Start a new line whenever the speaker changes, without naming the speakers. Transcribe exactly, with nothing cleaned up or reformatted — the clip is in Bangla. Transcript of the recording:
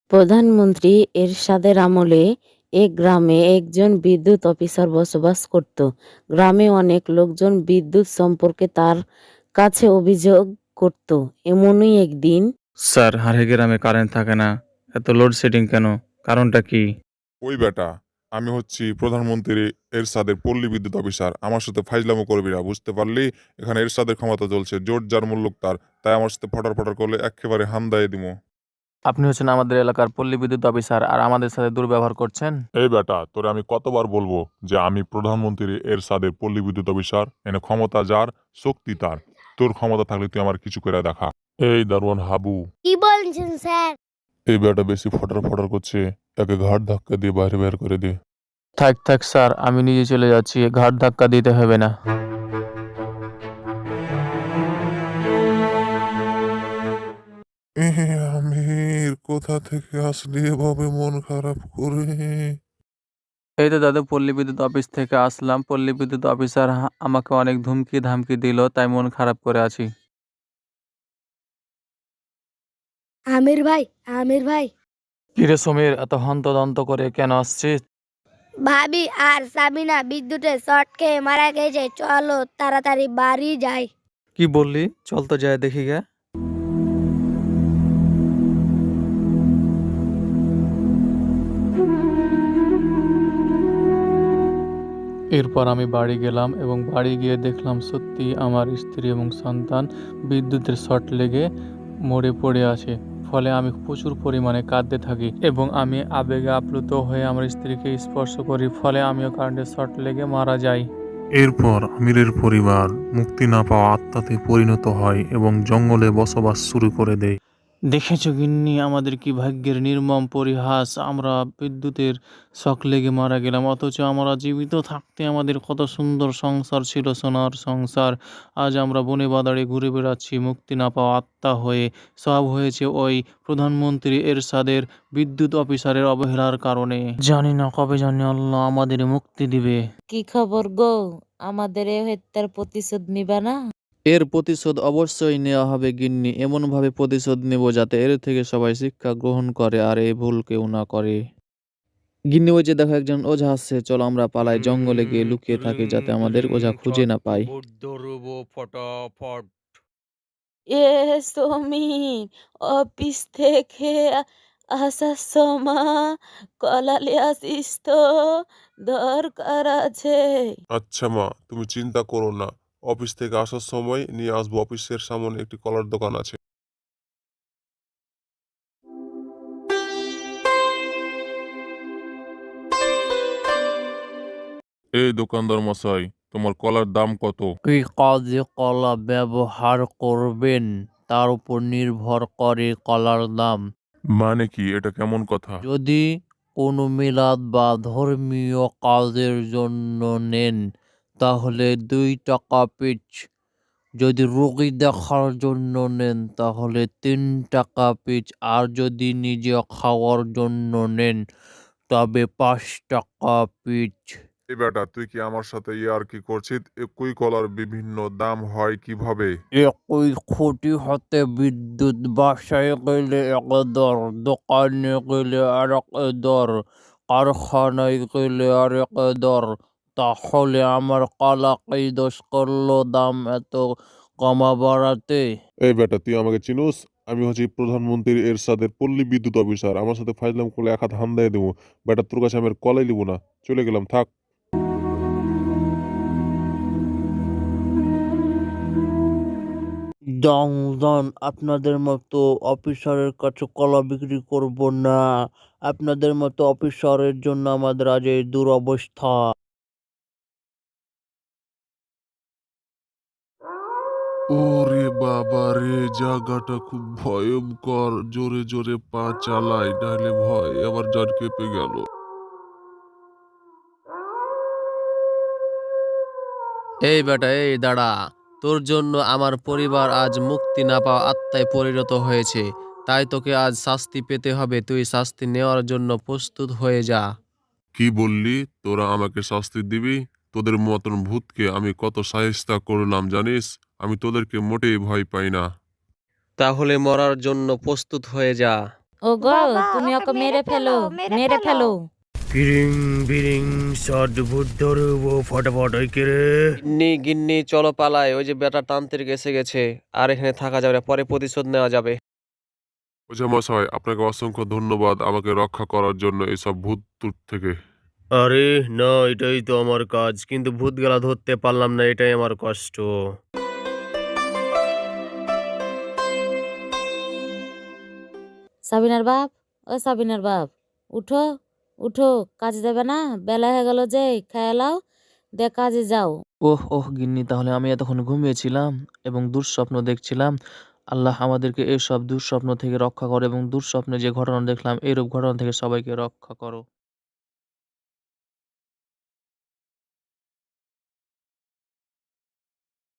প্রধানমন্ত্রী এরশাদের আমলে এক গ্রামে একজন বিদ্যুৎ অফিসার বসবাস করত। গ্রামে অনেক লোকজন বিদ্যুৎ সম্পর্কে তার কাছে অভিযোগ করত। এমনই একদিন
স্যার, হারে গ্রামে কারেন্ট থাকে না, এত লোডশেডিং কেন? কারণটা কি?
ওই বেটা, আমি হচ্ছি প্রধানমন্ত্রী এরশাদের পল্লী বিদ্যুৎ অফিসার। আমার সাথে ফাইজলামো করবি না, বুঝতে পারলি? এখানে এরশাদের ক্ষমতা চলছে, জোর যার মূল্যক তার। তাই আমার সাথে ফটার ফটার করলে একেবারে হামদায় দিমো।
আপনি হচ্ছেন আমাদের এলাকার পল্লী বিদ্যুৎ অফিসার আর আমাদের সাথে দুর্ব্যবহার করছেন।
এই বেটা, তোরে আমি কতবার বলবো যে আমি প্রধানমন্ত্রী এরশাদের পল্লী বিদ্যুৎ অফিসার। এনে ক্ষমতা যার, শক্তি তার। তোর ক্ষমতা থাকলে তুই আমার কিছু করে দেখা। এই দারোয়ান হাবু,
কি বলছেন স্যার?
এই বেটা বেশি ফটার ফটার করছে, একে ঘাট ধাক্কা দিয়ে বাইরে বের করে দে।
থাক থাক স্যার, আমি নিজে চলে যাচ্ছি, ঘাট ধাক্কা দিতে হবে না।
আমির, কোথা থেকে আসলি এভাবে মন খারাপ করে?
এই তো দাদু, পল্লী বিদ্যুৎ অফিস থেকে আসলাম। পল্লী বিদ্যুৎ অফিসার হা- আমাকে অনেক ধুমকি ধামকি দিল, তাই মন খারাপ করে আছি।
আমির ভাই, আমির ভাই,
কিরে সমীর, এত হন্তদন্ত করে কেন আসছিস?
ভাবি আর সাবিনা বিদ্যুতের শর্ট খেয়ে মারা গেছে, চলো তাড়াতাড়ি বাড়ি যাই।
কি বললি? চল তো যায় দেখি গে। এরপর আমি বাড়ি গেলাম এবং বাড়ি গিয়ে দেখলাম সত্যি আমার স্ত্রী এবং সন্তান বিদ্যুতের শর্ট লেগে মরে পড়ে আছে। ফলে আমি প্রচুর পরিমাণে কাঁদতে থাকি এবং আমি আবেগে আপ্লুত হয়ে আমার স্ত্রীকে স্পর্শ করি, ফলে আমিও কারেন্টের শর্ট লেগে মারা যাই।
এরপর আমিরের পরিবার মুক্তি না পাওয়া আত্মাতে পরিণত হয় এবং জঙ্গলে বসবাস শুরু করে দেয়।
দেখেছো গিন্নি, আমাদের কি ভাগ্যের নির্মম পরিহাস! আমরা বিদ্যুতের শক লেগে মারা গেলাম, অথচ আমরা জীবিত থাকতে আমাদের কত সুন্দর সংসার ছিল, সোনার সংসার। আজ আমরা বনে বাদাড়ে ঘুরে বেড়াচ্ছি মুক্তি না পাওয়া আত্মা হয়ে। সব হয়েছে ওই প্রধানমন্ত্রী এরশাদের বিদ্যুৎ অফিসারের অবহেলার কারণে। জানি না কবে জানি আল্লাহ আমাদের মুক্তি দিবে।
কি খবর গো? আমাদের এ হত্যার প্রতিশোধ নিবা না?
এর প্রতিশোধ অবশ্যই নেওয়া হবে গিন্নি, এমনভাবে প্রতিশোধ নেব যাতে এর থেকে সবাই শিক্ষা গ্রহণ করে আর এই ভুল কেউ না করে। গিন্নি, ওই যে দেখো একজন ওঝা আসছে, চলো আমরা পালাই, জঙ্গলে গিয়ে লুকিয়ে থাকি যাতে আমাদের ওঝা খুঁজে না পায়।
এ সমীর, অফিস থেকে আ- আসার সময় কলালে আসিস তো, দরকার আছে।
আচ্ছা মা, তুমি চিন্তা করো না। অফিস থেকে আসার সময় নিয়ে আসবো। অফিসের সামনে একটি কলার দোকান আছে। এই দোকানদার মশাই, তোমার কলার দাম কত?
কি কাজে কলা ব্যবহার করবেন তার উপর নির্ভর করে কলার দাম।
মানে কি, এটা কেমন কথা?
যদি কোনো মিলাদ বা ধর্মীয় কাজের জন্য নেন তাহলে দুই টাকা পিচ। যদি রোগী দেখার জন্য নেন তাহলে তিন টাকা পিচ। আর যদি নিজে খাওয়ার জন্য নেন তবে পাঁচ টাকা পিচ।
এই বেটা, তুই কি আমার সাথে ইয়ার কি করছিস? একই কলার বিভিন্ন দাম হয় কিভাবে?
একই খুঁটি হাতে বিদ্যুৎ, বাসায় গেলে এক দর, দোকানে গেলে আর এক দর, কারখানায় গেলে আর এক দর। তাহলে আমার কালাকেই দোষ করলো দাম এত কমা বাড়াতে?
এই বেটা, তুই আমাকে চিনুস? আমি হচ্ছি প্রধানমন্ত্রী এরশাদের পল্লী বিদ্যুৎ অফিসার। আমার সাথে ফাইজলাম করলে এক হাত হামদায় দেবো। বেটা, তোর কাছে আমি আর কলাই লিব না। চলে গেলাম, থাক।
দাম দাম, আপনাদের মতো অফিসারের কাছে কলা বিক্রি করব না। আপনাদের মতো অফিসারের জন্য আমাদের আজ এই দুরবস্থা।
ওরে বাবা রে, জায়গাটা খুব ভয়ঙ্কর। জোরে জোরে পা চালাই, নাহলে ভয় আমার জান কেঁপে গেল।
এই বেটা, এই দাঁড়া। তোর জন্য আমার পরিবার আজ মুক্তি না পাওয়া আত্মায় পরিণত হয়েছে। তাই তোকে আজ শাস্তি পেতে হবে। তুই শাস্তি নেওয়ার জন্য প্রস্তুত হয়ে যা।
কি বললি? তোরা আমাকে শাস্তি দিবি? তোদের মতন ভূতকে আমি কত সাহেস্তা করলাম জানিস? আমি তোদেরকে মোটেই ভয় পাই না।
তাহলে মরার জন্য প্রস্তুত হয়ে যা।
ও গো
বাবা,
তুমি
ওকে
ওকে মেরে ফেলো
মেরে
মেরে
ফেলো।
ফেলো
কিরিং বিরিং শট ভূত ধরবো ফটাফট ওই কে রে।
গিন্নি গিন্নি চলো পালাই, ওই যে বেটা তান্ত্রিক এসে গেছে, আর এখানে থাকা যাবে না, পরে প্রতিশোধ নেওয়া যাবে।
ওঝা মশাই, আপনাকে অসংখ্য ধন্যবাদ আমাকে রক্ষা করার জন্য এইসব ভূত টুত থেকে।
আরে না, এটাই তো আমার কাজ, কিন্তু ভূত গেলা ধরতে পারলাম না, এটাই আমার কষ্ট।
সাবিনার বাপ, ও সাবিনার বাপ, উঠো উঠো, কাজে যাবে না? বেলা হয়ে গেল যে, খেয়ে লাও, দে কাজে যাও।
ওহ ওহ গিন্নি, তাহলে আমি এতক্ষণ ঘুমিয়েছিলাম এবং দুঃস্বপ্ন দেখছিলাম। আল্লাহ আমাদেরকে এসব দুঃস্বপ্ন থেকে রক্ষা করো এবং দুঃস্বপ্নে যে ঘটনা দেখলাম এইরূপ ঘটনা থেকে সবাইকে রক্ষা করো।